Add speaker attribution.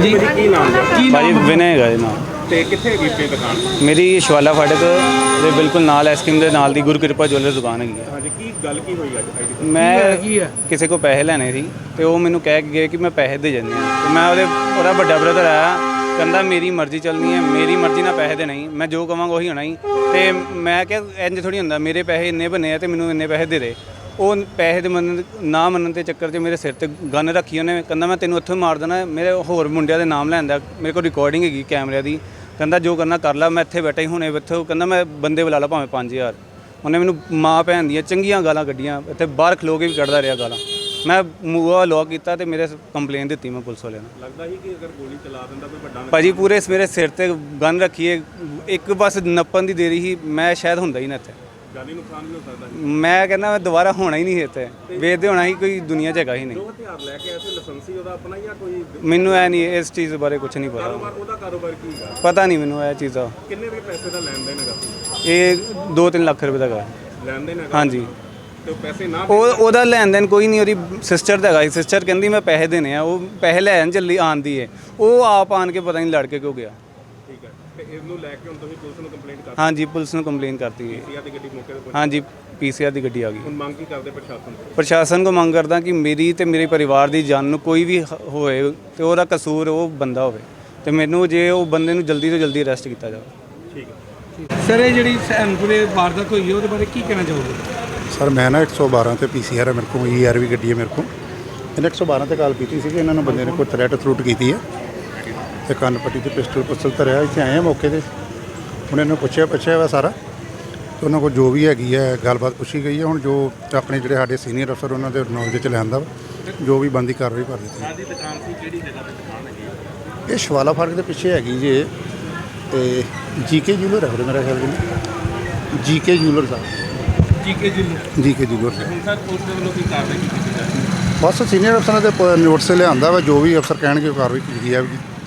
Speaker 1: ਹਾਂਜੀ ਕੀ ਨਾਮ ਜੀ?
Speaker 2: ਭਾਜੀ ਵਿਨय ਹੈਗਾ ਜੀ ਨਾਮ।
Speaker 1: ਤੇ ਕਿੱਥੇ ਹੈਗੀ ਆਪਣੀ ਦੁਕਾਨ?
Speaker 2: ਮੇਰੀ ਸ਼ਵਾਲਾ ਫਾਟਕ ਦੇ ਬਿਲਕੁਲ ਨਾਲ ਐਸਕ੍ਰੀਮ ਦੇ ਨਾਲ ਦੀ ਗੁਰਕਿਰਪਾ ਜੁਐਲਰ ਦੁਕਾਨ ਹੈਗੀ ਹੈ।
Speaker 1: ਹਾਂਜੀ ਕੀ ਗੱਲ ਕੀ ਹੋਈ ਅੱਜ?
Speaker 2: ਮੈਂ ਕਿਸੇ ਕੋ ਪੈਸੇ ਲੈਣੇ ਸੀ ਤੇ ਉਹ ਮੈਨੂੰ ਕਹਿ ਕੇ ਗਏ ਕਿ ਮੈਂ ਪੈਸੇ ਦੇ ਜਾਂਦੇ ਹਾਂ। ਤੇ ਮੈਂ ਉਹਦਾ ਵੱਡਾ ਬ੍ਰਦਰ ਆਇਆ, ਕਹਿੰਦਾ ਮੇਰੀ ਮਰਜ਼ੀ ਚੱਲਣੀ ਹੈ, ਮੇਰੀ ਮਰਜ਼ੀ ਨਾਲ ਪੈਸੇ ਦੇ ਨਹੀਂ, ਮੈਂ ਜੋ ਕਵਾਂਗਾ ਉਹੀ ਹੋਣਾ ਹੀ। ਤੇ ਮੈਂ ਕਿਹਾ ਇੰਜ ਥੋੜੀ ਹੁੰਦਾ, ਮੇਰੇ ਪੈਸੇ ਇੰਨੇ ਬਣੇ ਆ ਤੇ ਮੈਨੂੰ ਇੰਨੇ ਪੈਸੇ ਦੇ ਦੇ। ਉਹ ਪੈਸੇ ਦੇ ਨਾ ਮੰਨਣ ਦੇ ਚੱਕਰ 'ਚ ਮੇਰੇ ਸਿਰ ਤੇ ਗਨ ਰੱਖੀ ਉਹਨੇ। ਕਹਿੰਦਾ ਮੈਂ ਤੈਨੂੰ ਉੱਥੋਂ ਮਾਰ ਦੇਣਾ। ਮੇਰੇ ਹੋਰ ਮੁੰਡਿਆਂ ਦੇ ਨਾਮ ਲੈਂਦਾ, ਮੇਰੇ ਕੋਲ ਰਿਕਾਰਡਿੰਗ ਹੈਗੀ ਕੈਮਰਿਆਂ ਦੀ। ਕਹਿੰਦਾ ਜੋ ਕਰਨਾ ਕਰ ਲਾ, ਮੈਂ ਇੱਥੇ ਬੈਠਾ ਹੀ ਹੁਣੇ ਇੱਥੇ। ਕਹਿੰਦਾ ਮੈਂ ਬੰਦੇ ਬੁਲਾ ਲਾ ਭਾਵੇਂ 5000। ਉਹਨੇ ਮੈਨੂੰ ਮਾਂ ਭੈਣ ਦੀਆਂ ਚੰਗੀਆਂ ਗਾਲਾਂ ਕੱਢੀਆਂ, ਇੱਥੇ ਬਾਹਰ ਖਲੋ ਕੇ ਵੀ ਕੱਢਦਾ ਰਿਹਾ ਗਾਲਾਂ। ਮੈਂ ਮੂੰਹ ਲੋਕ ਕੀਤਾ ਤੇ ਮੇਰੇ ਕੰਪਲੇਨ ਦਿੱਤੀ ਮੈਂ ਪੁਲਿਸ ਵਾਲਿਆਂ ਨੂੰ।
Speaker 1: ਲੱਗਦਾ ਸੀ ਕਿ ਅਗਰ ਗੋਲੀ ਚਲਾ ਦਿੰਦਾ ਕੋਈ ਵੱਡਾ
Speaker 2: ਭਾਜੀ ਪੂਰੇ ਮੇਰੇ ਸਿਰ ਤੇ ਗਨ ਰੱਖੀਏ, ਇੱਕ ਬਸ ਨੱਪਣ ਦੀ ਦੇਰੀ ਸੀ, ਮੈਂ ਸ਼ਾਇਦ ਹੁੰਦਾ ਹੀ ਨਾ ਇੱਥੇ।
Speaker 1: ਜਾਨੀ ਨੁਕਸਾਨ ਵੀ ਹੋ ਸਕਦਾ ਸੀ।
Speaker 2: ਮੈਂ ਕਹਿੰਦਾ ਮੈਂ ਦੁਬਾਰਾ ਹੋਣਾ ਹੀ ਨਹੀਂ ਇੱਥੇ, ਵੇਚਦੇ ਹੋਣਾ ਹੀ ਕੋਈ ਦੁਨੀਆ 'ਚ ਹੈਗਾ ਹੀ ਨਹੀਂ।
Speaker 1: ਜੋ ਹਥਿਆਰ ਲੈ ਕੇ ਆਇਆ ਸੀ ਲਾਇਸੈਂਸੀ ਉਹਦਾ ਆਪਣਾ ਜਾਂ ਕੋਈ?
Speaker 2: ਮੈਨੂੰ ਇਹ ਨਹੀਂ, ਇਸ ਚੀਜ਼ ਬਾਰੇ ਕੁਝ ਨਹੀਂ ਪਤਾ।
Speaker 1: ਉਹਦਾ ਕਾਰੋਬਾਰ ਕੀ ਹੈ?
Speaker 2: ਪਤਾ ਨਹੀਂ ਮੈਨੂੰ ਇਹ ਚੀਜ਼ ਦਾ।
Speaker 1: ਕਿੰਨੇ ਵੀ ਪੈਸੇ ਦਾ ਲੈਣ ਦੇਣ ਹੈਗਾ?
Speaker 2: ਇਹ 2-3 ਲੱਖ ਰੁਪਏ ਦਾ ਹੈਗਾ।
Speaker 1: ਲੈਣ ਦੇਣ ਹੈਗਾ?
Speaker 2: ਹਾਂਜੀ।
Speaker 1: ਤੇ ਉਹ ਪੈਸੇ ਨਾ
Speaker 2: ਉਹਦਾ ਲੈਣ ਦੇਣ ਕੋਈ ਨਹੀਂ, ਉਹਦੀ ਸਿਸਟਰ ਦਾ ਹੈਗਾ। ਸਿਸਟਰ ਕਹਿੰਦੀ ਮੈਂ ਪੈਸੇ ਦੇਣੇ ਆ, ਉਹ ਪੈਸੇ ਲੈਣ ਚੱਲੀ ਆਂਦੀ ਹੈ, ਉਹ ਆਪ ਆਣ ਕੇ ਪਤਾ ਨਹੀਂ ਲੜ ਕੇ ਕਿਉਂ ਗਿਆ।
Speaker 1: ਠੀਕ ਹੈ। ਤੇ ਇਹਨੂੰ ਲੈ ਕੇ ਹੁਣ ਤੁਸੀਂ ਪੁਲਿਸ ਨੂੰ ਕੰਪਲੇਂਟ ਕਰ?
Speaker 2: ਹਾਂਜੀ ਪੁਲਿਸ ਨੂੰ ਕੰਪਲੇਨ ਕਰਤੀ ਹੈ।
Speaker 1: ਪੀਸੀਆਰ ਦੀ ਗੱਡੀ ਮੌਕੇ ਤੇ ਪਹੁੰਚੀ?
Speaker 2: ਹਾਂਜੀ ਪੀਸੀਆਰ ਦੀ ਗੱਡੀ ਆ ਗਈ।
Speaker 1: ਹੁਣ ਮੰਗ ਕੀ ਕਰਦੇ ਪ੍ਰਸ਼ਾਸਨ ਤੋਂ?
Speaker 2: ਪ੍ਰਸ਼ਾਸਨ ਕੋ ਮੰਗ ਕਰਦਾ ਕਿ ਮੇਰੀ ਤੇ ਮੇਰੇ ਪਰਿਵਾਰ ਦੀ ਜਾਨ ਨੂੰ ਕੋਈ ਵੀ ਹੋਏ ਤੇ ਉਹਦਾ ਕਸੂਰ ਉਹ ਬੰਦਾ ਹੋਵੇ, ਤੇ ਮੈਨੂੰ ਜੇ ਉਹ ਬੰਦੇ ਨੂੰ ਜਲਦੀ ਤੋਂ ਜਲਦੀ ਅਰੈਸਟ ਕੀਤਾ ਜਾਵੇ।
Speaker 1: ਠੀਕ ਹੈ।
Speaker 3: ਸਰ ਇਹ ਜਿਹੜੀ ਸੈਨਪੁਰੇ ਵਾਰਦਾਤ ਹੋਈ ਹੈ ਉਹਦੇ ਬਾਰੇ ਕੀ ਕਹਿਣਾ ਚਾਹੋਗੇ?
Speaker 4: ਸਰ ਮੈਂ ਨਾ 112 ਤੇ ਪੀਸੀਆਰ ਹੈ ਮੇਰੇ ਕੋਲ, ਈਆਰ ਵੀ ਗੱਡੀ ਹੈ ਮੇਰੇ ਕੋਲ। ਇਹਨੇ 112 ਤੇ ਕਾਲ ਕੀਤੀ ਸੀ ਕਿ ਇਹਨਾਂ ਨੂੰ ਬੰਦੇ ਨੇ ਕੋਈ ਥ੍ਰੈਟ ਥਰੂਟ ਕੀਤੀ ਹੈ ਤੇ ਕੰਨ ਪੱਟੀ ਤੇ ਪਿਸਟਲ ਧਰਿਆ। ਇੱਥੇ ਆਏ ਆ ਮੌਕੇ ਤੇ, ਹੁਣ ਇਹਨੂੰ ਪੁੱਛਿਆ ਵਾ ਸਾਰਾ, ਤੇ ਉਹਨਾਂ ਕੋਲ ਜੋ ਵੀ ਹੈਗੀ ਹੈ ਗੱਲਬਾਤ ਪੁੱਛੀ ਗਈ ਹੈ। ਹੁਣ ਜੋ ਆਪਣੇ ਜਿਹੜੇ ਸਾਡੇ ਸੀਨੀਅਰ ਅਫਸਰ ਉਹਨਾਂ ਦੇ ਨੌਲੇਜ 'ਚ ਲਿਆਂਦਾ ਜੋ ਵੀ ਬਣਦੀ ਕਾਰਵਾਈ ਕਰ ਦਿੱਤੀ।
Speaker 1: ਸਾਡੀ ਦੁਕਾਨ ਸੀ ਕਿਹੜੀ ਜਗ੍ਹਾ ਤੇ ਦੁਕਾਨ ਹੈਗੀ?
Speaker 4: ਇਹ ਸ਼ਵਾਲਾ ਫਾਟਕ ਦੇ ਪਿੱਛੇ ਹੈਗੀ ਜੇ, ਤੇ ਜੀਕੇ ਜੂਲਰ ਹੈ ਮੇਰਾ ਖਿਆਲ ਜੀ, ਜੀਕੇ ਜੂਲਰ ਸਾਹਿਬ।
Speaker 3: ਜੀਕੇ
Speaker 4: ਜੂਲਰ ਸਾਹਿਬ।
Speaker 1: ਹੁਣ ਸਰ ਪੁਲਿਸ ਦੇ ਵੱਲੋਂ ਕੀ ਕਾਰਵਾਈ ਕੀਤੀ ਜਾ ਰਹੀ ਹੈ?
Speaker 4: ਬਸ ਸੀਨੀਅਰ ਅਫਸਰਾਂ ਦੇ ਨੋਟਿਸ ਲਿਆਂਦਾ ਵਾ, ਜੋ ਵੀ ਅਫਸਰ ਕਹਿਣਗੇ ਉਹ ਕਾਰਵਾਈ ਕੀਤੀ ਜਾਵੇਗੀ।